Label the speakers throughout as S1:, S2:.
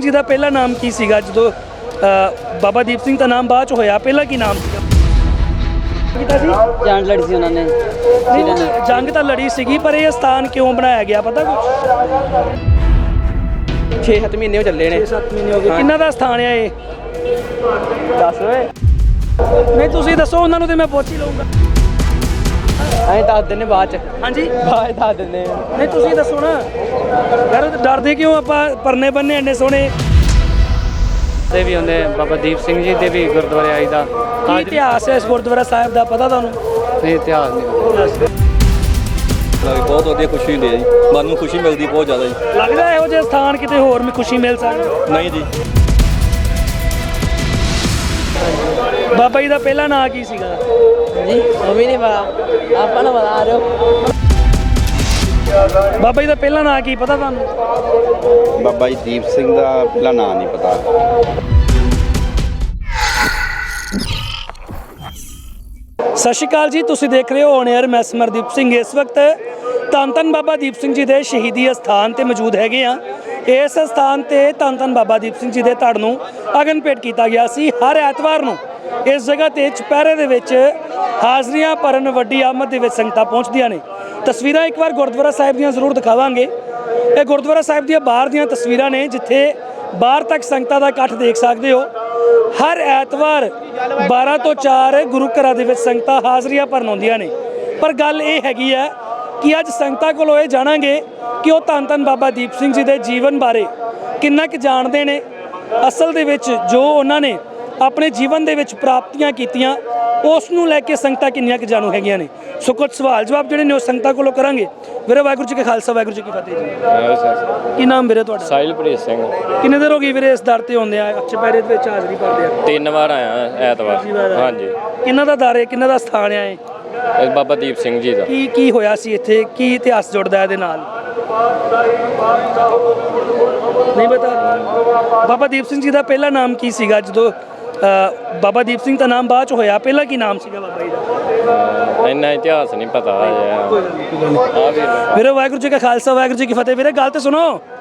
S1: ਸਿੰਘ ਜੀ ਦਾ ਪਹਿਲਾ ਨਾਮ ਕੀ ਸੀਗਾ ਜਦੋਂ ਬਾਬਾ ਦੀਪ ਸਿੰਘ ਦਾ ਨਾਮ ਬਾਅਦ ਚ ਹੋਇਆ, ਪਹਿਲਾਂ ਕੀ ਨਾਮ ਸੀਗਾ?
S2: ਜੰਗ ਲੜੀ ਸੀ ਉਹਨਾਂ ਨੇ।
S1: ਜੰਗ ਤਾਂ ਲੜੀ ਸੀਗੀ, ਪਰ ਇਹ ਸਥਾਨ ਕਿਉਂ ਬਣਾਇਆ ਗਿਆ ਪਤਾ ਕੁਛ?
S2: 6-7 ਮਹੀਨੇ ਹੋ ਚੱਲੇ ਨੇ।
S1: 6-7 ਮਹੀਨੇ ਹੋ ਗਏ। ਕਿੰਨਾ ਦਾ ਸਥਾਨ ਹੈ ਇਹ?
S2: ਦੱਸ ਓਏ।
S1: ਨਹੀਂ ਤੁਸੀਂ ਦੱਸੋ, ਉਹਨਾਂ ਨੂੰ ਤੇ ਮੈਂ ਪੁੱਛ ਹੀ ਲਊਂਗਾ।
S2: ਅਸੀਂ ਦੱਸ ਦਿੰਦੇ ਬਾਅਦ ਚ।
S1: ਹਾਂਜੀ
S2: ਬਾਅਦ ਦੱਸ ਦਿੰਦੇ।
S1: ਨਹੀਂ ਤੁਸੀਂ ਦੱਸੋ ਨਾ ਯਾਰ, ਡਰਦੇ ਕਿਉਂ ਆਪਾਂ? ਪਰਨੇ ਬੰਨੇ ਇੰਨੇ ਸੋਹਣੇ
S3: ਦੇ ਵੀ ਹੁੰਦੇ ਬਾਬਾ ਦੀਪ ਸਿੰਘ ਜੀ ਦੇ ਵੀ ਗੁਰਦੁਆਰੇ ਆਈ ਦਾ।
S1: ਕੀ ਇਤਿਹਾਸ ਹੈ ਇਸ ਗੁਰਦੁਆਰਾ ਸਾਹਿਬ ਦਾ, ਪਤਾ ਤੁਹਾਨੂੰ?
S3: ਨਹੀਂ, ਇਤਿਹਾਸ ਨਹੀਂ
S4: ਬਹੁਤ ਵਧੀਆ ਖੁਸ਼ੀ ਹੁੰਦੀ ਹੈ ਜੀ, ਮਨ ਨੂੰ ਖੁਸ਼ੀ ਮਿਲਦੀ ਬਹੁਤ ਜ਼ਿਆਦਾ ਜੀ।
S1: ਲੱਗਦਾ ਇਹੋ ਜਿਹੇ ਸਥਾਨ ਕਿਤੇ ਹੋਰ ਵੀ ਖੁਸ਼ੀ ਮਿਲ ਸਕਦੀ?
S4: ਨਹੀਂ ਜੀ।
S1: ਬਾਬਾ ਜੀ ਦਾ ਪਹਿਲਾ ਨਾਂ ਕੀ ਸੀਗਾ
S2: ਜੀ ਉਹ ਵੀ ਨਹੀਂ ਪਤਾ, ਆਪਾਂ ਨੂੰ ਬਤਾ ਦਿਓ।
S1: ਬਾਬਾ ਜੀ ਦਾ ਪਹਿਲਾ ਨਾਂ ਕੀ ਪਤਾ ਤੁਹਾਨੂੰ?
S5: ਬਾਬਾ ਜੀ ਦੀਪ ਸਿੰਘ ਦਾ ਪਹਿਲਾ ਨਾਂ ਨਹੀਂ ਪਤਾ।
S1: ਸਤਿ ਸ਼੍ਰੀ ਅਕਾਲ ਜੀ, ਤੁਸੀਂ ਦੇਖ ਰਹੇ ਹੋ ਔਨ 에ਅਰ। ਮੈਂ ਸਮਰਦੀਪ ਸਿੰਘ ਇਸ ਵਕਤ ਧੰਨ ਧੰਨ ਬਾਬਾ ਦੀਪ ਸਿੰਘ ਜੀ ਦੇ ਸ਼ਹੀਦੀ ਅਸਥਾਨ ਤੇ ਮੌਜੂਦ ਹੈਗੇ ਆ। ਇਸ ਅਸਥਾਨ ਤੇ ਧੰਨ ਧੰਨ ਬਾਬਾ ਦੀਪ ਸਿੰਘ ਜੀ ਦੇ ਧੜ ਨੂੰ ਅਗਨ ਭੇਟ ਕੀਤਾ ਗਿਆ ਸੀ। ਹਰ ਐਤਵਾਰ ਨੂੰ ਇਸ ਜਗ੍ਹਾ ਤੇ ਚੁਪਹਿਰੇ ਦੇ ਵਿੱਚ ਹਾਜ਼ਰੀਆਂ ਭਰਨ ਵੱਡੀ ਆਮਦ ਦੇ ਵਿੱਚ ਸੰਗਤਾਂ ਪਹੁੰਚਦੀਆਂ ਨੇ। ਤਸਵੀਰਾਂ ਇੱਕ ਵਾਰ ਗੁਰਦੁਆਰਾ ਸਾਹਿਬ ਦੀਆਂ ਜ਼ਰੂਰ ਦਿਖਾਵਾਂਗੇ। ਇਹ ਗੁਰਦੁਆਰਾ ਸਾਹਿਬ ਦੀਆਂ ਬਾਹਰ ਦੀਆਂ ਤਸਵੀਰਾਂ ਨੇ, ਜਿੱਥੇ ਬਾਹਰ ਤੱਕ ਸੰਗਤਾਂ ਦਾ ਇਕੱਠ ਦੇਖ ਸਕਦੇ ਹੋ। ਹਰ ਐਤਵਾਰ 12 ਤੋਂ 4 ਗੁਰੂ ਘਰਾਂ ਦੇ ਵਿੱਚ ਸੰਗਤਾਂ ਹਾਜ਼ਰੀਆਂ ਭਰਨ ਆਉਂਦੀਆਂ ਨੇ। ਪਰ ਗੱਲ ਇਹ ਹੈਗੀ ਹੈ ਕਿ ਅੱਜ ਸੰਗਤਾਂ ਕੋਲੋਂ ਇਹ ਜਾਣਾਂਗੇ ਕਿ ਉਹ ਧੰਨ ਧੰਨ ਬਾਬਾ ਦੀਪ ਸਿੰਘ ਜੀ ਦੇ ਜੀਵਨ ਬਾਰੇ ਕਿੰਨਾ ਕੁ ਜਾਣਦੇ ਨੇ। ਅਸਲ ਦੇ ਵਿੱਚ ਜੋ ਉਹਨਾਂ ਨੇ ਆਪਣੇ ਜੀਵਨ ਦੇ ਵਿੱਚ ਪ੍ਰਾਪਤੀਆਂ ਕੀਤੀਆਂ, ਉਸ ਨੂੰ ਲੈ ਕੇ ਸੰਗਤਾਂ ਕਿੰਨੀਆਂ ਕੁ ਜਾਣੂ ਹੈਗੀਆਂ ਨੇ। ਸੋ ਕੁਝ ਸਵਾਲ ਜਵਾਬ ਜਿਹੜੇ ਨੇ ਉਹ ਸੰਗਤਾਂ ਕੋਲੋਂ ਕਰਾਂਗੇ। ਵੀਰੇ ਵਾਹਿਗੁਰੂ ਜੀ ਕਾ ਖਾਲਸਾ, ਵਾਹਿਗੁਰੂ ਜੀ ਕੀ ਫਤਿਹ ਜੀ। ਕੀ ਨਾਮ ਵੀਰੇ ਤੁਹਾਡਾ?
S3: ਸਾਹਿਲਪ੍ਰੀਤ ਸਿੰਘ।
S1: ਕਿੰਨੇ ਦਿਨ ਹੋ ਗਏ ਵੀਰੇ ਇਸ ਦਰ ਤੇ ਆਉਂਦੇ ਆ, ਚੁਪਹਿਰੇ ਦੇ ਵਿੱਚ ਹਾਜ਼ਰੀ ਭਰਦੇ ਆ?
S3: 3 ਵਾਰ ਆਇਆ ਐਤਵਾਰ। ਹਾਂਜੀ।
S1: ਕਿੰਨਾ ਦਾ ਦਰ ਹੈ, ਕਿੰਨਾ ਦਾ ਸਥਾਨ ਹੈ ਇਹ?
S3: ਇਹ ਬਾਬਾ ਦੀਪ ਸਿੰਘ ਜੀ ਦਾ।
S1: ਕੀ ਹੋਇਆ ਸੀ ਇੱਥੇ, ਕੀ ਇਤਿਹਾਸ ਜੁੜਦਾ ਇਹਦੇ ਨਾਲ? ਨਹੀਂ ਪਤਾ। ਬਾਬਾ ਦੀਪ ਸਿੰਘ ਜੀ ਦਾ ਪਹਿਲਾ ਨਾਮ ਕੀ ਸੀਗਾ ਜਦੋਂ ਬਾਬਾ ਦੀਪ ਸਿੰਘ ਦਾ ਨਾਮ ਬਾਅਦ ਚ ਹੋਇਆ, ਪਹਿਲਾਂ ਕੀ ਨਾਮ ਸੀਗਾ ਬਾਬਾ ਜੀ ਦਾ?
S3: ਇੰਨਾ ਇਤਿਹਾਸ ਨਹੀਂ ਪਤਾ
S1: ਵੀਰੇ ਵਾਹਿਗੁਰੂ ਜੀ ਕਾ ਖਾਲਸਾ, ਵਾਹਿਗੁਰੂ ਜੀ ਕੀ ਫਤਿਹ। ਵੀਰੇ ਗੱਲ ਤੇ ਸੁਣੋ,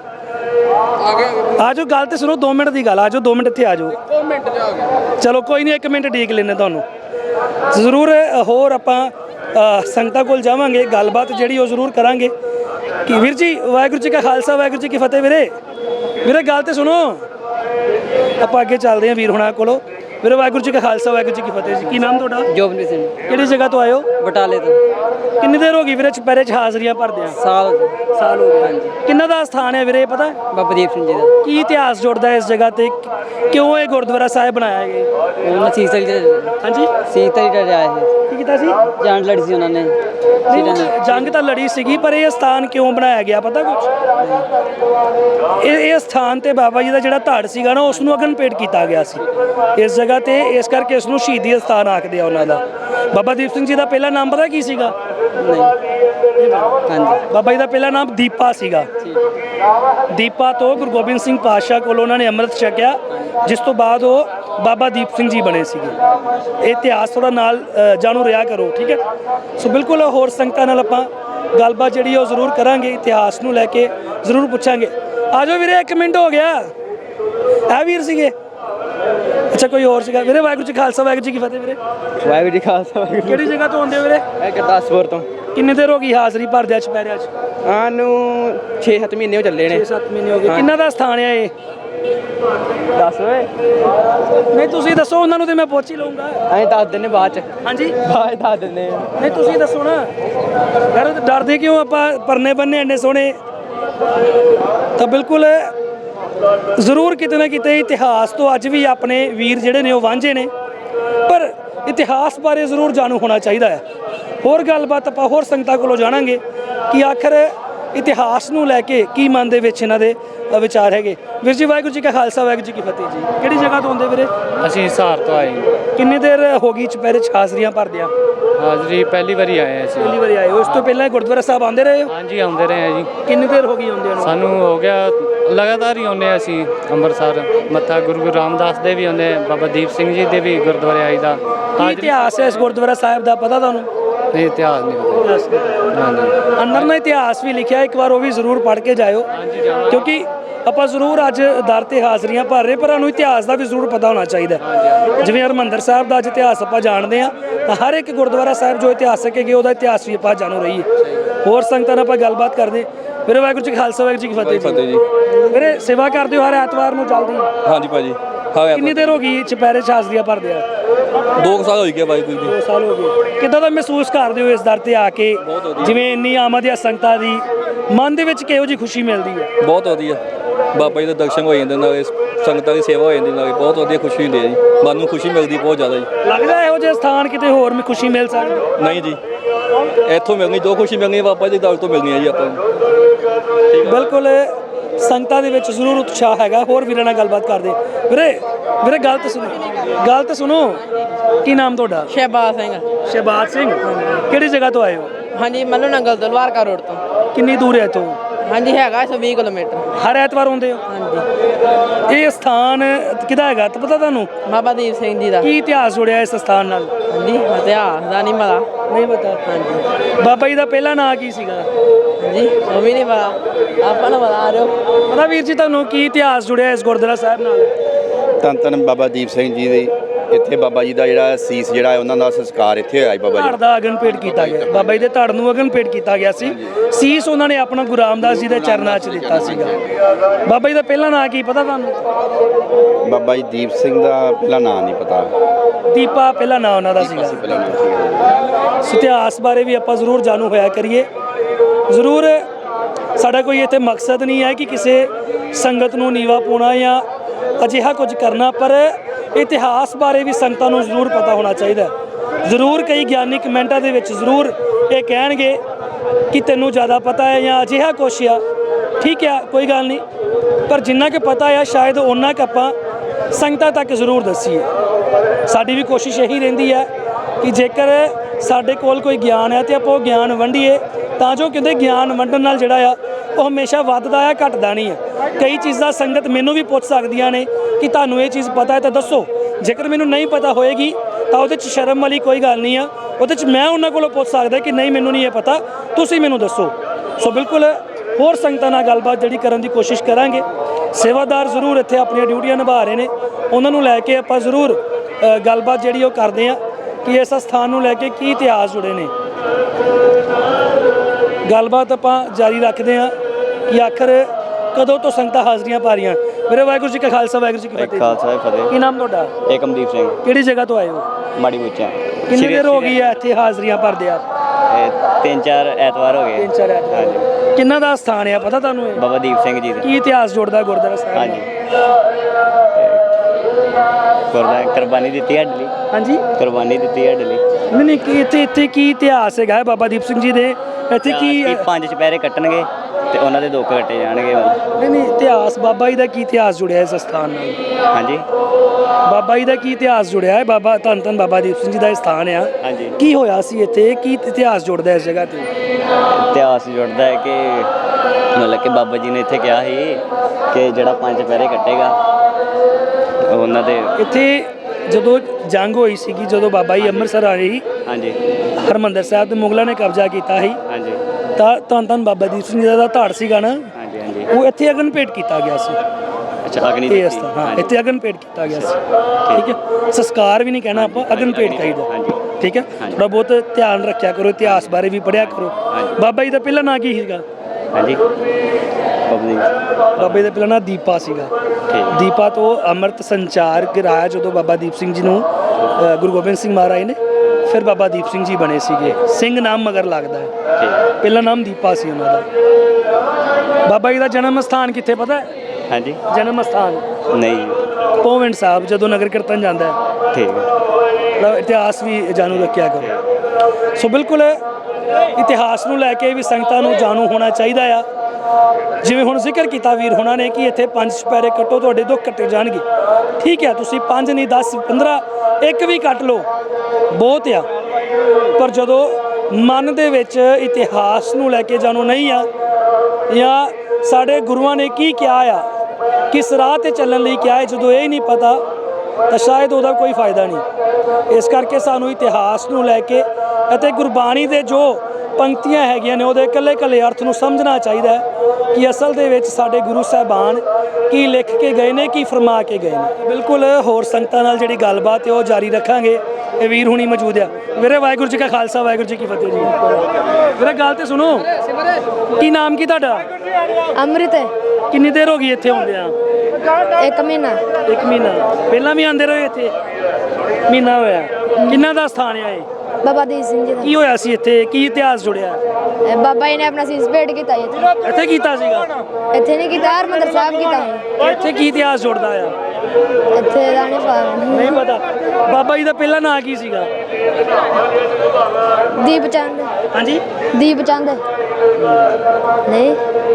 S1: ਆ ਜਾਓ, ਗੱਲ ਤੇ ਸੁਣੋ। 2 ਮਿੰਟ ਦੀ ਗੱਲ, ਆ ਜਾਓ 2 ਮਿੰਟ ਇੱਥੇ ਆ ਜਾਓ। ਚਲੋ ਕੋਈ ਨਹੀਂ, 1 ਮਿੰਟ ਉਡੀਕ ਲੈਣੇ ਤੁਹਾਨੂੰ ਜ਼ਰੂਰ। ਹੋਰ ਆਪਾਂ ਸੰਗਤਾਂ ਕੋਲ ਜਾਵਾਂਗੇ, ਗੱਲਬਾਤ ਜਿਹੜੀ ਉਹ ਜ਼ਰੂਰ ਕਰਾਂਗੇ। ਕਿ ਵੀਰ ਜੀ ਵਾਹਿਗੁਰੂ ਜੀ ਕਾ ਖਾਲਸਾ, ਵਾਹਿਗੁਰੂ ਜੀ ਕੀ ਫਤਿਹ। ਵੀਰੇ ਗੱਲ ਤੇ ਸੁਣੋ, ਆਪਾਂ ਅੱਗੇ ਚੱਲਦੇ ਹਾਂ ਵੀਰ ਹੁਣਾਂ ਕੋਲੋਂ। ਵੀਰੇ ਵਾਹਿਗੁਰੂ ਜੀ ਕਾ ਖਾਲਸਾ, ਵਾਹਿਗੁਰੂ ਜੀ ਕੀ ਫਤਿਹ ਜੀ। ਕੀ ਨਾਮ ਤੁਹਾਡਾ?
S2: ਜੋਬਨਵੀਰ ਸਿੰਘ,
S1: ਕਿਹੜੀ ਜਗ੍ਹਾ ਤੋਂ ਆਏ ਹੋ?
S2: ਬਟਾਲੇ ਤੋਂ।
S1: ਕਿੰਨੀ ਦੇਰ ਹੋ ਗਈ ਵੀਰੇ ਚੁਪਹਿਰੇ 'ਚ ਹਾਜ਼ਰੀਆਂ ਭਰਦੇ ਆ?
S2: ਸਾਲ
S1: ਹੋ ਗਏ। ਕਿੰਨਾ ਦਾ ਸਥਾਨ ਹੈ ਵੀਰੇ, ਪਤਾ?
S2: ਬਾਬਾ ਦੀਪ ਸਿੰਘ ਜੀ ਦਾ।
S1: ਕੀ ਇਤਿਹਾਸ ਜੁੜਦਾ ਇਸ ਜਗ੍ਹਾ ਤੇ, ਕਿਉਂ ਇਹ ਗੁਰਦੁਆਰਾ ਸਾਹਿਬ ਬਣਾਇਆ ਗਿਆ?
S2: ਉਹਨਾਂ ਸੀਤਲ
S1: ਹਾਂਜੀ
S2: ਸੀਤਲ ਆਏ ਸੀ।
S1: ਕੀ ਕੀਤਾ ਸੀ?
S2: ਜੰਗ ਲੜੀ ਸੀ ਉਹਨਾਂ ਨੇ।
S1: ਜੰਗ ਤਾਂ ਲੜੀ ਸੀਗੀ, ਪਰ ਇਹ ਸਥਾਨ ਕਿਉਂ ਬਣਾਇਆ ਗਿਆ ਪਤਾ ਕੁਛ? ਇਹ ਸਥਾਨ ਤੇ ਬਾਬਾ ਜੀ ਦਾ ਜਿਹੜਾ ਧੜ ਸੀਗਾ ਨਾ, ਉਸ ਨੂੰ ਅਗਨ ਭੇਟ ਕੀਤਾ ਗਿਆ ਸੀ ਇਸ ਜਗ੍ਹਾ ਤੇ। ਇਸ ਕਰਕੇ ਇਸ ਨੂੰ ਸ਼ਹੀਦੀ ਅਸਥਾਨ ਆਖਦੇ ਆ ਉਹਨਾਂ ਦਾ। ਬਾਬਾ ਦੀਪ ਸਿੰਘ ਜੀ ਦਾ ਪਹਿਲਾ ਨਾਮ ਪਤਾ ਕੀ ਸੀਗਾ?
S2: ਨਹੀਂ। ਹਾਂਜੀ।
S1: ਬਾਬਾ ਜੀ ਦਾ ਪਹਿਲਾ ਨਾਮ ਦੀਪਾ ਸੀਗਾ। ਦੀਪਾ ਤੋਂ ਗੁਰੂ ਗੋਬਿੰਦ ਸਿੰਘ ਪਾਤਸ਼ਾਹ ਕੋਲੋਂ ਉਹਨਾਂ ਨੇ ਅੰਮ੍ਰਿਤ ਛਕਿਆ, ਜਿਸ ਤੋਂ ਬਾਅਦ ਉਹ ਬਾਬਾ ਦੀਪ ਸਿੰਘ ਜੀ ਬਣੇ ਸੀਗੇ। ਇਹ ਇਤਿਹਾਸ ਥੋੜਾ ਨਾਲ ਜਾਣੂ ਰਿਹਾ ਕਰੋ, ਠੀਕ ਹੈ? ਸੋ ਬਿਲਕੁਲ ਹੋਰ ਸੰਗਤਾਂ ਨਾਲ ਆਪਾਂ ਗੱਲਬਾਤ ਜਿਹੜੀ ਉਹ ਜ਼ਰੂਰ ਕਰਾਂਗੇ, ਇਤਿਹਾਸ ਨੂੰ ਲੈ ਕੇ ਜ਼ਰੂਰ ਪੁੱਛਾਂਗੇ। ਆ ਜਾਓ ਵੀਰੇ, 1 ਮਿੰਟ ਹੋ ਗਿਆ। ਇਹ ਵੀਰ ਸੀਗੇ? ਅੱਛਾ, ਕੋਈ ਹੋਰ ਸੀਗਾ। ਵੀਰੇ ਵਾਹਿਗੁਰੂ ਜੀ ਖਾਲਸਾ, ਵਾਹਿਗੁਰੂ ਜੀ ਕੀ ਫਤਿਹ। ਵੀਰੇ
S2: ਵਾਹਿਗੁਰੂ ਜੀ ਖਾਲਸਾ।
S1: ਕਿਹੜੀ ਜਗ੍ਹਾ ਤੋਂ ਆਉਂਦੇ ਹੋ ਵੀਰੇ?
S2: ਇਹ ਗੁਰਦਾਸਪੁਰ ਤੋਂ।
S1: ਕਿੰਨੇ ਦੇਰ ਹੋ ਗਈ ਹਾਜ਼ਰੀ ਭਰਦਿਆਂ ਚੁਪਹਿਰਿਆਂ 'ਚ?
S2: ਸਾਨੂੰ 6-7 ਮਹੀਨੇ ਹੋ ਚੱਲੇ ਨੇ।
S1: 6-7 ਮਹੀਨੇ ਹੋ ਗਏ। ਕਿੰਨਾ ਦਾ ਸਥਾਨ ਹੈ ਇਹ?
S2: ਦੱਸ ਓਏ।
S1: ਨਹੀਂ ਤੁਸੀਂ ਦੱਸੋ, ਉਹਨਾਂ ਨੂੰ ਤੇ ਮੈਂ ਪੁੱਛ ਹੀ ਲਊਂਗਾ।
S2: ਅਸੀਂ ਦੱਸ ਦਿੰਦੇ ਬਾਅਦ ਚ।
S1: ਹਾਂਜੀ
S2: ਬਾਅਦ ਦੱਸ ਦਿੰਦੇ।
S1: ਨਹੀਂ ਤੁਸੀਂ ਦੱਸੋ ਨਾ ਯਾਰ, ਡਰਦੇ ਕਿਉਂ ਆਪਾਂ? ਪਰਨੇ ਬੰਨੇ ਇੰਨੇ ਸੋਹਣੇ। ਤਾਂ ਬਿਲਕੁਲ ਜ਼ਰੂਰ ਕਿਤੇ ਨਾ ਕਿਤੇ ਇਤਿਹਾਸ ਤੋਂ ਅੱਜ ਵੀ ਆਪਣੇ ਵੀਰ ਜਿਹੜੇ ਨੇ ਉਹ ਵਾਂਝੇ ਨੇ, ਪਰ ਇਤਿਹਾਸ ਬਾਰੇ ਜ਼ਰੂਰ ਜਾਣੂ ਹੋਣਾ ਚਾਹੀਦਾ ਹੈ। ਹੋਰ ਗੱਲਬਾਤ ਆਪਾਂ ਹੋਰ ਸੰਗਤਾਂ ਕੋਲੋਂ ਜਾਣਾਂਗੇ ਕਿ ਆਖਰ ਇਤਿਹਾਸ ਨੂੰ ਲੈ ਕੇ ਕੀ ਮਨ ਦੇ ਵਿੱਚ ਇਹਨਾਂ ਦੇ ਵਿਚਾਰ ਹੈਗੇ। ਵੀਰ ਜੀ ਵਾਹਿਗੁਰੂ ਜੀ ਕਾ ਖਾਲਸਾ, ਵਾਹਿਗੁਰੂ ਜੀ ਕੀ ਫਤਿਹ ਜੀ। ਕਿਹੜੀ ਜਗ੍ਹਾ ਤੋਂ ਆਉਂਦੇ ਵੀਰੇ?
S3: ਅਸੀਂ ਹਿਸਾਰ ਤੋਂ ਆਏ।
S1: ਕਿੰਨੀ ਦੇਰ ਹੋ ਗਈ ਚੁਪਹਿਰੇ 'ਚ ਹਾਜ਼ਰੀਆਂ ਭਰਦਿਆਂ?
S3: ਹਾਜ਼ਰੀ ਪਹਿਲੀ ਵਾਰੀ ਆਏ ਅਸੀਂ।
S1: ਪਹਿਲੀ ਵਾਰੀ ਆਏ ਹੋ? ਉਸ ਤੋਂ ਪਹਿਲਾਂ ਗੁਰਦੁਆਰਾ ਸਾਹਿਬ ਆਉਂਦੇ ਰਹੇ ਹੋ?
S3: ਹਾਂਜੀ, ਆਉਂਦੇ ਰਹੇ ਆ ਜੀ।
S1: ਕਿੰਨੀ ਦੇਰ ਹੋ ਗਈ ਆਉਂਦੇ ਨੂੰ?
S3: ਸਾਨੂੰ ਹੋ ਗਿਆ ਲਗਾਤਾਰ ਹੀ ਆਉਂਦੇ ਅਸੀਂ ਅੰਮ੍ਰਿਤਸਰ ਮੱਥਾ। ਗੁਰੂ ਰਾਮਦਾਸ ਦੇ ਵੀ ਆਉਂਦੇ, ਬਾਬਾ ਦੀਪ ਸਿੰਘ ਜੀ ਦੇ ਵੀ ਗੁਰਦੁਆਰੇ ਆਈ ਦਾ।
S1: ਕੀ ਇਤਿਹਾਸ ਹੈ ਇਸ ਗੁਰਦੁਆਰਾ ਸਾਹਿਬ ਦਾ, ਪਤਾ ਤੁਹਾਨੂੰ?
S3: ਨਹੀਂ, ਇਤਿਹਾਸ ਨਹੀਂ ਪਤਾ। ਹਾਂਜੀ।
S1: ਅੰਦਰ ਨਾ ਇਤਿਹਾਸ ਵੀ ਲਿਖਿਆ, ਇੱਕ ਵਾਰ ਉਹ ਵੀ ਜ਼ਰੂਰ ਪੜ੍ਹ ਕੇ ਜਾਇਓ, ਕਿਉਂਕਿ ਆਪਾਂ ਜ਼ਰੂਰ ਅੱਜ ਦਰ ਤੇ ਹਾਜ਼ਰੀਆਂ ਭਰ ਰਹੇ, ਪਰ ਸਾਨੂੰ ਇਤਿਹਾਸ ਦਾ ਵੀ ਜ਼ਰੂਰ ਪਤਾ ਹੋਣਾ ਚਾਹੀਦਾ ਹੈ। ਜਿਵੇਂ ਹਰਿਮੰਦਰ ਸਾਹਿਬ ਦਾ ਅੱਜ ਇਤਿਹਾਸ ਆਪਾਂ ਜਾਣਦੇ ਹਾਂ, ਤਾਂ ਹਰ ਇੱਕ ਗੁਰਦੁਆਰਾ ਸਾਹਿਬ ਜੋ ਇਤਿਹਾਸਕ ਹੈਗੇ ਉਹਦਾ ਇਤਿਹਾਸ ਵੀ ਆਪਾਂ ਜਾਣੂ ਰਹੀਏ। ਹੋਰ ਸੰਗਤਾਂ ਨਾਲ ਆਪਾਂ ਗੱਲਬਾਤ ਕਰਦੇ। ਵੀਰੇ ਵਾਹਿਗੁਰੂ ਜੀ ਕਾ ਖਾਲਸਾ ਵਾਹਿਗੁਰੂ ਜੀ ਕੀ ਫਤਿਹ
S4: ਫਤਿਹ ਜੀ।
S1: ਵੀਰੇ ਸੇਵਾ ਕਰਦੇ ਹੋ ਹਰ ਐਤਵਾਰ ਨੂੰ ਜਲਦੀ?
S4: ਹਾਂਜੀ ਭਾਜੀ। ਹਾਂ
S1: ਕਿੰਨੀ ਦੇਰ ਹੋ ਗਈ ਚੁਪਹਿਰੇ 'ਚ ਹਾਜ਼ਰੀਆਂ ਭਰਦੇ ਆ?
S4: 2 ਸਾਲ ਹੋ ਗਏ ਬਾਈ ਕੋਈ
S1: 2 ਸਾਲ ਹੋ ਗਏ। ਕਿੱਦਾਂ ਦਾ ਮਹਿਸੂਸ ਕਰਦੇ ਹੋ ਇਸ ਦਰ ਤੇ ਆ ਕੇ? ਜਿਵੇਂ ਇੰਨੀ ਆਮਦ ਆ ਸੰਗਤਾਂ ਦੀ, ਮਨ ਦੇ ਵਿੱਚ ਕਿਹੋ ਜਿਹੀ ਖੁਸ਼ੀ ਮਿਲਦੀ ਹੈ?
S4: ਬਹੁਤ ਵਧੀਆ, ਬਾਬਾ ਜੀ ਦੇ ਦਰਸ਼ਨ ਹੋ ਜਾਂਦੇ ਨਾਲੇ ਸੰਗਤਾਂ ਦੀ ਸੇਵਾ ਹੋ ਜਾਂਦੀ ਨਾਲੇ ਬਹੁਤ ਵਧੀਆ ਖੁਸ਼ੀ ਹੁੰਦੀ ਹੈ ਜੀ। ਮਨ ਨੂੰ ਖੁਸ਼ੀ ਮਿਲਦੀ ਬਹੁਤ ਜ਼ਿਆਦਾ ਜੀ।
S1: ਲੱਗਦਾ ਇਹੋ ਜਿਹੇ ਸਥਾਨ ਕਿਤੇ ਹੋਰ ਵੀ ਖੁਸ਼ੀ ਮਿਲ ਸਕਦੀ?
S4: ਨਹੀਂ ਜੀ, ਇੱਥੋਂ ਮਿਲਣੀ ਜੋ ਖੁਸ਼ੀ ਮਿਲਣੀ ਹੈ ਬਾਬਾ ਜੀ ਦੀ ਦਰ ਤੋਂ ਮਿਲਣੀ ਹੈ ਜੀ ਆਪਾਂ ਨੂੰ।
S1: ਬਿਲਕੁਲ ਸੰਗਤਾਂ ਦੇ ਵਿੱਚ ਜ਼ਰੂਰ ਉਤਸ਼ਾਹ ਹੈਗਾ। ਹੋਰ ਵੀਰਾਂ ਨਾਲ ਗੱਲਬਾਤ ਕਰਦੇ। ਵੀਰੇ ਗੱਲ ਤਾਂ ਸੁਣੋ, ਕੀ ਨਾਮ ਤੁਹਾਡਾ?
S2: ਸ਼ਹਿਬਾਜ਼ ਸਿੰਘ।
S1: ਸ਼ਹਿਬਾਜ਼ ਸਿੰਘ, ਕਿਹੜੀ ਜਗ੍ਹਾ ਤੋਂ ਆਏ ਹੋ?
S2: ਹਾਂਜੀ ਮੱਲੂ ਨੰਗਲ ਤੋਂ ਲਵਾਰਕਾ ਰੋਡ ਤੋਂ।
S1: ਕਿੰਨੀ ਦੂਰ ਹੈ ਇੱਥੋਂ?
S2: ਹਾਂਜੀ ਹੈਗਾ 120 ਕਿਲੋਮੀਟਰ।
S1: ਹਰ ਐਤਵਾਰ ਆਉਂਦੇ ਹੋ?
S2: ਹਾਂਜੀ।
S1: ਇਹ ਸਥਾਨ ਕਿਹਦਾ ਹੈਗਾ ਤਾਂ ਪਤਾ ਤੁਹਾਨੂੰ?
S2: ਬਾਬਾ ਦੀਪ ਸਿੰਘ ਜੀ ਦਾ।
S1: ਕੀ ਇਤਿਹਾਸ ਜੁੜਿਆ ਇਸ ਸਥਾਨ ਨਾਲ?
S2: ਹਾਂਜੀ ਇਤਿਹਾਸ ਦਾ ਨਹੀਂ ਪਤਾ।
S1: ਨਹੀਂ ਪਤਾ।
S2: ਹਾਂਜੀ।
S1: ਬਾਬਾ ਜੀ ਦਾ ਪਹਿਲਾ ਨਾਂ ਕੀ ਸੀਗਾ?
S2: ਹਾਂਜੀ ਉਹ ਵੀ ਨਹੀਂ ਪਤਾ, ਆਪਾਂ ਨੂੰ ਪਤਾ ਆ ਜਾਓ।
S1: ਪਤਾ ਵੀਰ ਜੀ ਤੁਹਾਨੂੰ ਕੀ ਇਤਿਹਾਸ ਜੁੜਿਆ ਇਸ ਗੁਰਦੁਆਰਾ ਸਾਹਿਬ ਨਾਲ?
S5: ਧੰਨ ਧੰਨ ਬਾਬਾ ਦੀਪ ਸਿੰਘ ਜੀ ਦੀ ਇੱਥੇ ਬਾਬਾ ਜੀ ਦਾ ਜਿਹੜਾ ਸੀਸ ਜਿਹੜਾ ਉਹਨਾਂ ਦਾ ਸੰਸਕਾਰ ਇੱਥੇ ਹੋਇਆ ਜੀ ਬਾਬਾ
S1: ਧੜ
S5: ਜੀ।
S1: ਦਾ ਅਗਨ ਭੇਟ ਕੀਤਾ ਗਿਆ। ਬਾਬਾ ਜੀ ਦੇ ਧੜ ਨੂੰ ਅਗਨ ਭੇਟ ਕੀਤਾ ਗਿਆ ਸੀ। ਸੀਸ ਉਹਨਾਂ ਨੇ ਆਪਣਾ ਗੁਰੂ ਰਾਮਦਾਸ ਜੀ ਦੇ ਚਰਨਾਂ 'ਚ ਦਿੱਤਾ ਸੀਗਾ। ਬਾਬਾ ਜੀ ਦਾ ਪਹਿਲਾ ਨਾਂ ਕੀ ਪਤਾ ਤੁਹਾਨੂੰ?
S5: ਬਾਬਾ ਜੀ ਦੀਪ ਸਿੰਘ ਦਾ ਪਹਿਲਾ ਨਾਂ ਨਹੀਂ ਪਤਾ।
S1: ਦੀਪਾ ਪਹਿਲਾ ਨਾਂ ਉਹਨਾਂ ਦਾ ਸੀਗਾ।
S5: ਪਹਿਲਾ ਨਾਂ ਸੀਗਾ।
S1: ਸੋ ਇਤਿਹਾਸ ਬਾਰੇ ਵੀ ਆਪਾਂ ਜ਼ਰੂਰ ਜਾਣੂ ਹੋਇਆ ਕਰੀਏ। ਜ਼ਰੂਰ ਸਾਡਾ ਕੋਈ ਇੱਥੇ ਮਕਸਦ ਨਹੀਂ ਹੈ ਕਿ ਕਿਸੇ ਸੰਗਤ ਨੂੰ ਨੀਵਾ ਪਾਉਣਾ ਜਾਂ ਅਜਿਹਾ ਕੁਝ ਕਰਨਾ, ਪਰ ਇਤਿਹਾਸ ਬਾਰੇ ਵੀ ਸੰਗਤਾਂ ਨੂੰ ਜ਼ਰੂਰ ਪਤਾ ਹੋਣਾ ਚਾਹੀਦਾ। ਜ਼ਰੂਰ ਕਈ ਗਿਆਨੀ ਕਮੈਂਟਾਂ ਦੇ ਵਿੱਚ ਜ਼ਰੂਰ ਇਹ ਕਹਿਣਗੇ ਕਿ ਤੈਨੂੰ ਜ਼ਿਆਦਾ ਪਤਾ ਹੈ ਜਾਂ ਅਜਿਹਾ ਕੁਛ ਆ। ਠੀਕ ਆ, ਕੋਈ ਗੱਲ ਨਹੀਂ, ਪਰ ਜਿੰਨਾ ਕਿ ਪਤਾ ਆ ਸ਼ਾਇਦ ਉਹਨਾਂ ਕੁ ਆਪਾਂ ਸੰਗਤਾਂ ਤੱਕ ਜ਼ਰੂਰ ਦੱਸੀਏ। ਸਾਡੀ ਵੀ ਕੋਸ਼ਿਸ਼ ਇਹੀ ਰਹਿੰਦੀ ਹੈ ਕਿ ਜੇਕਰ ਸਾਡੇ ਕੋਲ ਕੋਈ ਗਿਆਨ ਹੈ ਤੇ ਆਪਾਂ ਉਹ ਗਿਆਨ ਵੰਡੀਏ, ਤਾਂ ਜੋ ਕਹਿੰਦੇ ਗਿਆਨ ਵੰਡਣ ਨਾਲ ਜਿਹੜਾ ਆ ਉਹ ਹਮੇਸ਼ਾ ਵੱਧਦਾ ਆ, ਘਟਦਾ ਨਹੀਂ ਹੈ। ਕਈ ਚੀਜ਼ਾਂ ਸੰਗਤ ਮੈਨੂੰ ਵੀ ਪੁੱਛ ਸਕਦੀਆਂ ਨੇ ਕਿ ਤੁਹਾਨੂੰ ਇਹ ਚੀਜ਼ ਪਤਾ ਹੈ ਤਾਂ ਦੱਸੋ। ਜੇਕਰ ਮੈਨੂੰ ਨਹੀਂ ਪਤਾ ਹੋਏਗੀ ਤਾਂ ਉਹਦੇ 'ਚ ਸ਼ਰਮ ਵਾਲੀ ਕੋਈ ਗੱਲ ਨਹੀਂ ਆ। ਉਹਦੇ 'ਚ ਮੈਂ ਉਹਨਾਂ ਕੋਲੋਂ ਪੁੱਛ ਸਕਦਾ ਕਿ ਨਹੀਂ ਮੈਨੂੰ ਨਹੀਂ ਇਹ ਪਤਾ, ਤੁਸੀਂ ਮੈਨੂੰ ਦੱਸੋ। ਸੋ ਬਿਲਕੁਲ ਹੋਰ ਸੰਗਤਾਂ ਨਾਲ ਗੱਲਬਾਤ ਜਿਹੜੀ ਕਰਨ ਦੀ ਕੋਸ਼ਿਸ਼ ਕਰਾਂਗੇ। ਸੇਵਾਦਾਰ ਜ਼ਰੂਰ ਇੱਥੇ ਆਪਣੀਆਂ ਡਿਊਟੀਆਂ ਨਿਭਾ ਰਹੇ ਨੇ, ਉਹਨਾਂ ਨੂੰ ਲੈ ਕੇ ਆਪਾਂ ਜ਼ਰੂਰ ਗੱਲਬਾਤ ਜਿਹੜੀ ਉਹ ਕਰਦੇ ਹਾਂ ਕਿ ਇਸ ਸਥਾਨ ਨੂੰ ਲੈ ਕੇ ਕੀ ਇਤਿਹਾਸ ਜੁੜੇ ਨੇ। ਗੱਲਬਾਤ ਆਪਾਂ ਜਾਰੀ ਰੱਖਦੇ ਹਾਂ ਕਿ ਆਖਰ ਕਦੋਂ ਤੋਂ ਸੰਗਤਾਂ ਹਾਜ਼ਰੀਆਂ ਪਾ ਰਹੀਆਂ। ਮੇਰੇ ਵਾਹਿਗੁਰੂ ਜੀ ਕਾ ਖਾਲਸਾ ਵਾਹਿਗੁਰੂ ਜੀ ਕੀ ਫਤਿਹ।
S6: ਖਾਲਸਾ ਫਤਿਹ।
S1: ਕੀ ਨਾਮ ਤੁਹਾਡਾ?
S6: ਏਕਮਦੀਪ ਸਿੰਘ,
S1: ਕਿਹੜੀ ਜਗ੍ਹਾ ਤੋਂ ਆਏ ਹੋ?
S6: ਮਾੜੀ ਮੁੱਚਾ।
S1: ਕਿੰਨੀ ਦੇਰ ਹੋ ਗਈ ਹੈ ਇੱਥੇ ਹਾਜ਼ਰੀਆਂ ਭਰਦੇ ਆ?
S6: 3-4 ਐਤਵਾਰ ਹੋ ਗਏ।
S1: 3-4 ਐਤਵਾਰ।
S6: ਹਾਂਜੀ।
S1: ਕਿੰਨਾ ਦਾ ਸਥਾਨ ਹੈ ਪਤਾ ਤੁਹਾਨੂੰ ਇਹ?
S6: ਬਾਬਾ ਦੀਪ ਸਿੰਘ ਜੀ ਦਾ।
S1: ਕੀ ਇਤਿਹਾਸ ਜੁੜਦਾ ਗੁਰਦੁਆਰਾ ਸਾਹਿਬ ਨਾਲ?
S6: ਹਾਂਜੀ। ਗੁਰਦਾ ਕੁਰਬਾਨੀ ਦਿੱਤੀ ਸਾਡੇ ਲਈ।
S1: ਹਾਂਜੀ,
S6: ਕੁਰਬਾਨੀ ਦਿੱਤੀ ਸਾਡੇ ਲਈ।
S1: ਨਹੀਂ ਕੀ ਇੱਥੇ ਕੀ ਇਤਿਹਾਸ ਹੈਗਾ ਬਾਬਾ ਦੀਪ ਸਿੰਘ ਜੀ ਦੇ? ਇੱਥੇ ਕੀ
S6: 5 ਚੁਪਹਿਰੇ ਕੱਟਣਗੇ ਤੇ ਉਹਨਾਂ ਦੇ ਦੁੱਖ ਕੱਟੇ ਜਾਣਗੇ।
S1: ਨਹੀਂ ਇਤਿਹਾਸ ਬਾਬਾ ਜੀ ਦਾ ਕੀ ਇਤਿਹਾਸ ਜੁੜਿਆ ਇਸ ਸਥਾਨ ਨਾਲ?
S6: ਹਾਂਜੀ।
S1: ਬਾਬਾ ਜੀ ਦਾ ਕੀ ਇਤਿਹਾਸ ਜੁੜਿਆ ਹੈ? ਬਾਬਾ ਧੰਨ ਧੰਨ ਬਾਬਾ ਦੀਪ ਸਿੰਘ ਜੀ ਦਾ ਇਹ ਸਥਾਨ ਆ।
S6: ਹਾਂਜੀ।
S1: ਕੀ ਹੋਇਆ ਸੀ ਇੱਥੇ? ਕੀ ਇਤਿਹਾਸ ਜੁੜਦਾ ਇਸ ਜਗ੍ਹਾ ਤੇ?
S6: ਇਤਿਹਾਸ ਜੁੜਦਾ ਹੈ ਕਿ ਮਤਲਬ ਕਿ ਬਾਬਾ ਜੀ ਨੇ ਇੱਥੇ ਕਿਹਾ ਸੀ ਕਿ ਜਿਹੜਾ 5 ਚੁਪਹਿਰੇ ਕੱਟੇਗਾ ਉਹਨਾਂ ਦੇ।
S1: ਇੱਥੇ ਜਦੋਂ ਜੰਗ ਹੋਈ ਸੀਗੀ, ਜਦੋਂ ਬਾਬਾ ਜੀ ਅੰਮ੍ਰਿਤਸਰ ਆਏ ਸੀ,
S6: ਹਾਂਜੀ
S1: ਹਰਿਮੰਦਰ ਸਾਹਿਬ ਤੇ ਮੁਗਲਾਂ ਨੇ ਕਬਜ਼ਾ ਕੀਤਾ ਸੀ,
S6: ਹਾਂਜੀ
S1: ਤਾਂ ਧੰਨ ਧੰਨ ਬਾਬਾ ਦੀਪ ਸਿੰਘ ਜੀ ਦਾ ਧੜ ਸੀਗਾ ਨਾ,
S6: ਹਾਂਜੀ ਹਾਂਜੀ।
S1: ਉਹ ਇੱਥੇ ਅਗਨ ਭੇਟ ਕੀਤਾ ਗਿਆ ਸੀ।
S6: ਅੱਛਾ, ਅਗਨੀ
S1: ਇਹ
S6: ਦਿੱਤੀ।
S1: ਹਾਂ, ਇੱਥੇ ਅਗਨ ਭੇਟ ਕੀਤਾ ਗਿਆ ਸੀ। ਠੀਕ ਹੈ, ਸੰਸਕਾਰ ਵੀ ਨਹੀਂ ਕਹਿਣਾ ਆਪਾਂ, ਅਗਨ ਭੇਟ ਕਹੀਦਾ।
S6: ਹਾਂਜੀ।
S1: ਠੀਕ ਹੈ, ਥੋੜਾ ਬਹੁਤ ਧਿਆਨ ਰੱਖਿਆ ਕਰੋ, ਇਤਿਹਾਸ ਬਾਰੇ ਵੀ ਪੜ੍ਹਿਆ ਕਰੋ। ਬਾਬਾ ਜੀ ਦਾ ਪਹਿਲਾ ਨਾਂ ਕੀ ਸੀਗਾ?
S6: ਹਾਂਜੀ।
S1: ਬਾਬਾ ਜੀ ਦਾ ਪਹਿਲਾ ਨਾਂ ਦੀਪਾ ਸੀਗਾ।
S6: ਠੀਕ।
S1: ਦੀਪਾ ਤੋਂ ਅੰਮ੍ਰਿਤ ਸੰਚਾਰ ਕਰਾਇਆ ਜਦੋਂ ਬਾਬਾ ਦੀਪ ਸਿੰਘ ਜੀ ਨੂੰ ਗੁਰੂ ਗੋਬਿੰਦ ਸਿੰਘ ਮਹਾਰਾਜ ਨੇ, ਫਿਰ ਬਾਬਾ ਦੀਪ ਸਿੰਘ ਜੀ ਬਣੇ ਸੀਗੇ। ਸਿੰਘ ਨਾਮ ਮਗਰ ਲੱਗਦਾ ਹੈ।
S6: ਠੀਕ।
S1: ਪਹਿਲਾ ਨਾਮ ਦੀਪਾ ਸੀ ਉਹਨਾਂ ਦਾ। ਬਾਬਾ ਜੀ ਦਾ ਜਨਮ ਸਥਾਨ ਕਿੱਥੇ ਪਤਾ ਹੈ?
S6: ਹਾਂਜੀ।
S1: ਜਨਮ ਸਥਾਨ
S6: ਨਹੀਂ।
S1: ਪੋਵਿੰਡ ਸਾਹਿਬ, ਜਦੋਂ ਨਗਰ ਕੀਰਤਨ ਜਾਂਦਾ ਹੈ।
S6: ਠੀਕ।
S1: ਮਤਲਬ ਇਤਿਹਾਸ ਵੀ ਜਾਣੂ ਰੱਖਿਆ ਕਰੋ। ਸੋ ਬਿਲਕੁਲ ਇਤਿਹਾਸ ਨੂੰ ਲੈ ਕੇ ਵੀ ਸੰਗਤਾਂ ਨੂੰ ਜਾਣੂ ਹੋਣਾ ਚਾਹੀਦਾ ਆ। ਜਿਵੇਂ ਹੁਣ ਜ਼ਿਕਰ ਕੀਤਾ ਵੀਰ ਹੋਣਾ ਨੇ ਕਿ ਇੱਥੇ 5 ਚੁਪਹਿਰੇ ਕੱਟੋ, ਤੁਹਾਡੇ ਦੁੱਖ ਕੱਟੇ ਜਾਣਗੇ। ਠੀਕ ਹੈ, ਤੁਸੀਂ 5 ਨਹੀਂ 10 15 ਇੱਕ ਵੀ ਕੱਟ ਲਓ, ਬਹੁਤ ਆ। ਪਰ ਜਦੋਂ ਮਨ ਦੇ ਵਿੱਚ ਇਤਿਹਾਸ ਨੂੰ ਲੈ ਕੇ ਜਾਣੂ ਨਹੀਂ ਆ, ਜਾਂ ਸਾਡੇ ਗੁਰੂਆਂ ਨੇ ਕੀ ਕਿਹਾ ਆ, ਕਿਸ ਰਾਹ ਤੇ ਚੱਲਣ ਲਈ ਕਿਹਾ ਹੈ, ਜਦੋਂ ਇਹ ਨਹੀਂ ਪਤਾ ਤਾਂ ਸ਼ਾਇਦ ਉਹਦਾ ਕੋਈ ਫਾਇਦਾ ਨਹੀਂ। ਇਸ ਕਰਕੇ ਸਾਨੂੰ ਇਤਿਹਾਸ ਨੂੰ ਲੈ ਕੇ ਅਤੇ ਗੁਰਬਾਣੀ ਦੇ ਜੋ ਪੰਕਤੀਆਂ ਹੈਗੀਆਂ ਨੇ ਉਹਦੇ ਇਕੱਲੇ ਇਕੱਲੇ ਅਰਥ ਨੂੰ ਸਮਝਣਾ ਚਾਹੀਦਾ ਹੈ। ਕਿ ਅਸਲ ਦੇ ਵਿੱਚ ਸਾਡੇ ਗੁਰੂ ਸਾਹਿਬਾਨ ਕੀ ਲਿਖ ਕੇ ਗਏ ਨੇ, ਕੀ ਫਰਮਾ ਕੇ ਗਏ ਨੇ। ਬਿਲਕੁਲ ਹੋਰ ਸੰਗਤਾਂ ਨਾਲ ਜਿਹੜੀ ਗੱਲਬਾਤ ਹੈ ਉਹ ਜਾਰੀ ਰੱਖਾਂਗੇ। ਇਹ ਵੀਰ ਹੁਣੀ ਮੌਜੂਦ ਆ। ਵੀਰੇ ਵਾਹਿਗੁਰੂ ਜੀ ਕਾ ਖਾਲਸਾ ਵਾਹਿਗੁਰੂ ਜੀ ਕੀ ਫਤਿਹ ਜੀ। ਵੀਰੇ ਗੱਲ ਤੇ ਸੁਣੋ, ਕੀ ਨਾਮ ਕੀ ਤੁਹਾਡਾ?
S7: ਅੰਮ੍ਰਿਤ
S1: ਕਿੰਨੀ ਦੇਰ ਹੋ ਗਈ ਇੱਥੇ ਆਉਂਦੇ ਆ?
S7: 1 ਮਹੀਨਾ
S1: 1 ਮਹੀਨਾ। ਪਹਿਲਾਂ ਵੀ ਆਉਂਦੇ ਰਹੇ ਇੱਥੇ? ਮਹੀਨਾ ਹੋਇਆ। ਕਿੰਨਾ ਦਾ ਸਥਾਨ ਹੈ ਇਹ?
S7: ਬਾਬਾ ਦੀਪ ਸਿੰਘ ਜੀ
S1: ਕੀ ਹੋਇਆ ਸੀ ਇੱਥੇ? ਕੀ ਇਤਿਹਾਸ ਜੁੜਿਆ?
S7: ਦਾ ਬਾਬਾ ਜੀ ਨੇ ਆਪਣਾ ਸੀਸ ਭੇਟ ਕੀਤਾ ਜੀ ਇੱਥੇ।
S1: ਇੱਥੇ ਕੀਤਾ ਸੀਗਾ?
S7: ਇੱਥੇ ਨਹੀਂ ਕੀਤਾ, ਹਰਿਮੰਦਰ ਸਾਹਿਬ ਕੀਤਾ ਸੀ।
S1: ਇੱਥੇ ਕੀ ਇਤਿਹਾਸ ਜੁੜਦਾ ਆ?
S7: ਇੱਥੇ ਦਾ ਨਹੀਂ ਪਤਾ।
S1: ਨਹੀਂ ਪਤਾ। ਬਾਬਾ ਜੀ ਦਾ ਪਹਿਲਾ ਨਾਂ ਕੀ ਸੀਗਾ?
S7: ਦੀਪ ਚੰਦ।
S1: ਹਾਂਜੀ,
S7: ਦੀਪ ਚੰਦ ਨਹੀਂ।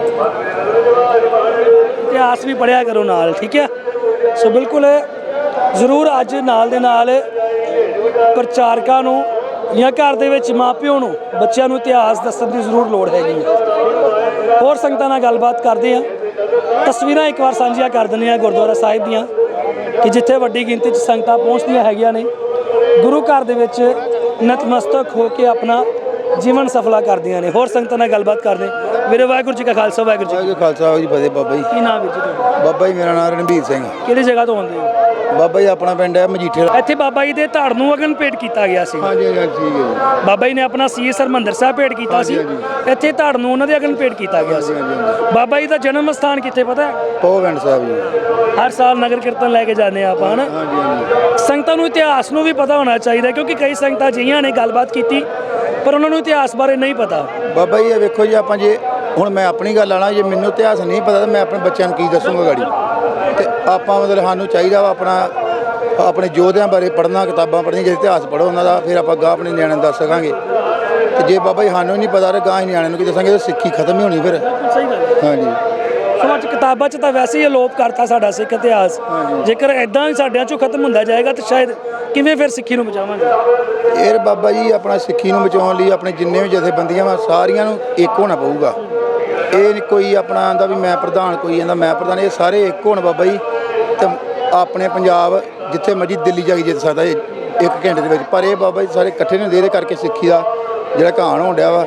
S1: ਇਤਿਹਾਸ ਵੀ ਪੜ੍ਹਿਆ ਕਰੋ ਨਾਲ, ਠੀਕ ਹੈ। ਸੋ ਬਿਲਕੁਲ ਜ਼ਰੂਰ ਅੱਜ ਨਾਲ ਦੇ ਨਾਲ ਪ੍ਰਚਾਰਕਾਂ ਨੂੰ ਜਾਂ ਘਰ ਦੇ ਵਿੱਚ ਮਾਪਿਓ ਨੂੰ ਬੱਚਿਆਂ ਨੂੰ ਇਤਿਹਾਸ ਦੱਸਣ ਦੀ ਜ਼ਰੂਰ ਲੋੜ ਹੈਗੀ ਹੈ। ਹੋਰ ਸੰਗਤਾਂ ਨਾਲ ਗੱਲਬਾਤ ਕਰਦੇ ਹਾਂ। ਤਸਵੀਰਾਂ ਇੱਕ ਵਾਰ ਸਾਂਝੀਆਂ ਕਰ ਦਿੰਦੇ ਹਾਂ ਗੁਰਦੁਆਰਾ ਸਾਹਿਬ ਦੀਆਂ, ਕਿ ਜਿੱਥੇ ਵੱਡੀ ਗਿਣਤੀ 'ਚ ਸੰਗਤਾਂ ਪਹੁੰਚਦੀਆਂ ਹੈਗੀਆਂ ਨੇ, ਗੁਰੂ ਘਰ ਦੇ ਵਿੱਚ ਨਤਮਸਤਕ ਹੋ ਕੇ ਆਪਣਾ ਜੀਵਨ ਸਫਲਾ ਕਰਦੀਆਂ ਨੇ। ਹੋਰ ਸੰਗਤਾਂ ਨਾਲ ਗੱਲਬਾਤ ਕਰਦੇ ਵੀਰੇ। ਵਾਹਿਗੁਰੂ ਜੀ ਕਾ ਖਾਲਸਾ ਵਾਹਿਗੁਰੂ ਜੀ
S5: ਵਾਹਿਗੁਰੂ ਜੀ ਖਾਲਸਾ ਵਾਹਿਗੁਰੂ ਜੀ ਫਤਿਹ। ਬਾਬਾ ਜੀ
S1: ਕੀ ਨਾਮ ਵੀਰ ਜੀ ਤੁਹਾਡਾ?
S5: ਬਾਬਾ ਜੀ ਮੇਰਾ ਨਾਮ ਰਣਬੀਰ ਸਿੰਘ।
S1: ਕਿਹੜੀ ਜਗ੍ਹਾ ਤੋਂ ਆਉਂਦੇ ਹੋ?
S5: ਬਾਬਾ ਜੀ ਆਪਣਾ ਪਿੰਡ ਹੈ ਮਜੀਠੇ ਵਾਲਾ।
S1: ਇੱਥੇ ਬਾਬਾ ਜੀ ਦੇ ਧੜ ਨੂੰ ਅਗਨ ਭੇਟ ਕੀਤਾ ਗਿਆ ਸੀ।
S5: ਹਾਂਜੀ ਹਾਂਜੀ ਠੀਕ ਹੈ ਜੀ।
S1: ਬਾਬਾ ਜੀ ਨੇ ਆਪਣਾ ਸੀਸ ਹਰਿਮੰਦਰ ਸਾਹਿਬ ਭੇਟ ਕੀਤਾ ਸੀ। ਇੱਥੇ ਧੜ ਨੂੰ ਉਹਨਾਂ ਦੇ ਅਗਨ ਭੇਟ ਕੀਤਾ ਗਿਆ ਸੀ। ਬਾਬਾ ਜੀ ਦਾ ਜਨਮ ਸਥਾਨ ਕਿੱਥੇ ਪਤਾ ਹੈ?
S5: ਪੋਵਿੰਡ ਸਾਹਿਬ ਜੀ।
S1: ਹਰ ਸਾਲ ਨਗਰ ਕੀਰਤਨ ਲੈ ਕੇ ਜਾਂਦੇ ਆ ਆਪਾਂ, ਹਨਾ।
S5: ਹਾਂਜੀ ਹਾਂਜੀ
S1: ਸੰਗਤਾਂ ਨੂੰ ਇਤਿਹਾਸ ਨੂੰ ਵੀ ਪਤਾ ਹੋਣਾ ਚਾਹੀਦਾ, ਕਿਉਂਕਿ ਕਈ ਸੰਗਤਾਂ ਅਜਿਹੀਆਂ ਨੇ ਗੱਲਬਾਤ ਕੀਤੀ ਪਰ ਉਹਨਾਂ ਨੂੰ ਇਤਿਹਾਸ ਬਾਰੇ ਨਹੀਂ ਪਤਾ।
S5: ਬਾਬਾ ਜੀ ਇਹ ਵੇਖੋ ਜੀ, ਆਪਾਂ ਜੇ ਹੁਣ ਮੈਂ ਆਪਣੀ ਗੱਲ ਆਣਾ, ਜੇ ਮੈਨੂੰ ਇਤਿਹਾਸ ਨਹੀਂ ਪਤਾ ਤਾਂ ਮੈਂ ਆਪਣੇ ਬੱਚਿਆਂ ਨੂੰ ਕੀ ਦੱਸੂਗਾ ਗਾੜੀ। ਤੇ ਆਪਾਂ ਮਤਲਬ ਸਾਨੂੰ ਚਾਹੀਦਾ ਵਾ ਆਪਣੇ ਯੋਧਿਆਂ ਬਾਰੇ ਪੜ੍ਹਨਾ, ਕਿਤਾਬਾਂ ਪੜ੍ਹਨੀਆਂ, ਜੇ ਇਤਿਹਾਸ ਪੜ੍ਹੋ ਉਹਨਾਂ ਦਾ, ਫਿਰ ਆਪਾਂ ਗਾਹ ਆਪਣੇ ਨਿਆਣਿਆਂ ਨੂੰ ਦੱਸ ਸਕਾਂਗੇ। ਤੇ ਜੇ ਬਾਬਾ ਜੀ ਸਾਨੂੰ ਨਹੀਂ ਪਤਾ ਤਾਂ ਗਾਹ ਹੀ ਨਿਆਣਿਆਂ ਨੂੰ ਕੀ ਦੱਸਾਂਗੇ? ਤਾਂ ਸਿੱਖੀ ਖਤਮ ਹੀ ਹੋਣੀ ਫਿਰ।
S1: ਸਹੀ ਗੱਲ ਹੈ।
S5: ਹਾਂਜੀ
S1: ਸੋ ਅੱਜ ਕਿਤਾਬਾਂ 'ਚ ਤਾਂ ਵੈਸੇ ਹੀ ਅਲੋਪ ਕਰਤਾ ਸਾਡਾ ਸਿੱਖ ਇਤਿਹਾਸ। ਜੇਕਰ ਇਦਾਂ ਹੀ ਸਾਡਿਆਂ 'ਚੋਂ ਖਤਮ ਹੁੰਦਾ ਜਾਏਗਾ ਤਾਂ ਸ਼ਾਇਦ ਕਿਵੇਂ ਫਿਰ ਸਿੱਖੀ ਨੂੰ ਬਚਾਵਾਂਗੇ?
S5: ਇਹ ਬਾਬਾ ਜੀ ਆਪਣਾ ਸਿੱਖੀ ਨੂੰ ਬਚਾਉਣ ਲਈ ਆਪਣੇ ਜਿੰਨੇ ਵੀ ਜਥੇਬੰਦੀਆਂ ਵਾ ਸਾਰੀਆਂ ਨੂੰ ਇੱਕ ਹੋਣਾ ਪਊਗਾ। ਇਹ ਨਹੀਂ ਕੋਈ ਆਪਣਾ ਆਂਦਾ ਵੀ ਮੈਂ ਪ੍ਰਧਾਨ, ਕੋਈ ਆਂਦਾ ਮੈਂ ਪ੍ਰਧਾਨ। ਇਹ ਸਾਰੇ ਇੱਕ ਹੋਣ ਬਾਬਾ ਜੀ। ਤੇ ਆਪਣੇ ਪੰਜਾਬ ਜਿੱਥੇ ਮਰਜੀ ਦਿੱਲੀ ਜਾ ਕੇ ਜਿੱਤ ਸਕਦਾ ਇਹ 1 ਘੰਟੇ ਦੇ ਵਿੱਚ। ਪਰ ਇਹ ਬਾਬਾ ਜੀ ਸਾਰੇ ਇਕੱਠੇ ਨੇ, ਇਹਦੇ ਕਰਕੇ ਸਿੱਖੀ ਦਾ ਜਿਹੜਾ ਘਾਣ ਹੋਣ ਡਿਆ ਵਾ।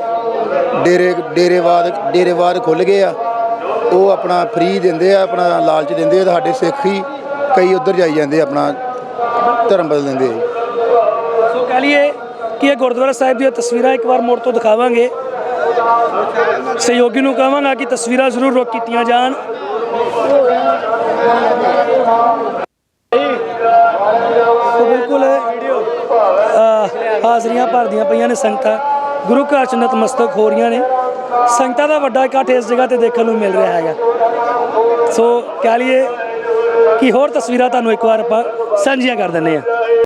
S5: ਡੇਰੇਵਾਦ ਖੁੱਲ੍ਹ ਗਏ ਆ, ਉਹ ਆਪਣਾ ਫ੍ਰੀ ਦਿੰਦੇ ਆ, ਆਪਣਾ ਲਾਲਚ ਦਿੰਦੇ ਆ। ਸਾਡੇ ਸਿੱਖ ਹੀ ਕਈ ਉੱਧਰ ਜਾਈ ਜਾਂਦੇ, ਆਪਣਾ ਧਰਮ ਬਦਲ ਦਿੰਦੇ ਆ।
S1: ਸੋ ਕਹਿ ਲਈਏ ਕਿ ਇਹ ਗੁਰਦੁਆਰਾ ਸਾਹਿਬ ਦੀਆਂ ਤਸਵੀਰਾਂ ਇੱਕ ਵਾਰ ਮੁੜ ਤੋਂ ਦਿਖਾਵਾਂਗੇ। ਸਹਿਯੋਗੀ ਨੂੰ ਕਹਾਂਗਾ ਕਿ ਤਸਵੀਰਾਂ ਜ਼ਰੂਰ ਰੋਕ ਕੀਤੀਆਂ ਜਾਣ। ਸੋ ਬਿਲਕੁਲ ਹਾਜ਼ਰੀਆਂ ਭਰਦੀਆਂ ਪਈਆਂ ਨੇ ਸੰਗਤਾਂ, ਗੁਰੂ ਘਰ 'ਚ ਨਤਮਸਤਕ ਹੋ ਰਹੀਆਂ ਨੇ। ਸੰਗਤਾਂ ਦਾ ਵੱਡਾ ਇਕੱਠ ਇਸ ਜਗ੍ਹਾ ਤੇ ਦੇਖਣ ਨੂੰ ਮਿਲ ਰਿਹਾ ਹੈਗਾ। ਸੋ ਕਹਿ ਲਈਏ ਕਿ ਹੋਰ ਤਸਵੀਰਾਂ ਤੁਹਾਨੂੰ ਇੱਕ ਵਾਰ ਆਪਾਂ ਸਾਂਝੀਆਂ ਕਰ ਦਿੰਦੇ ਹਾਂ।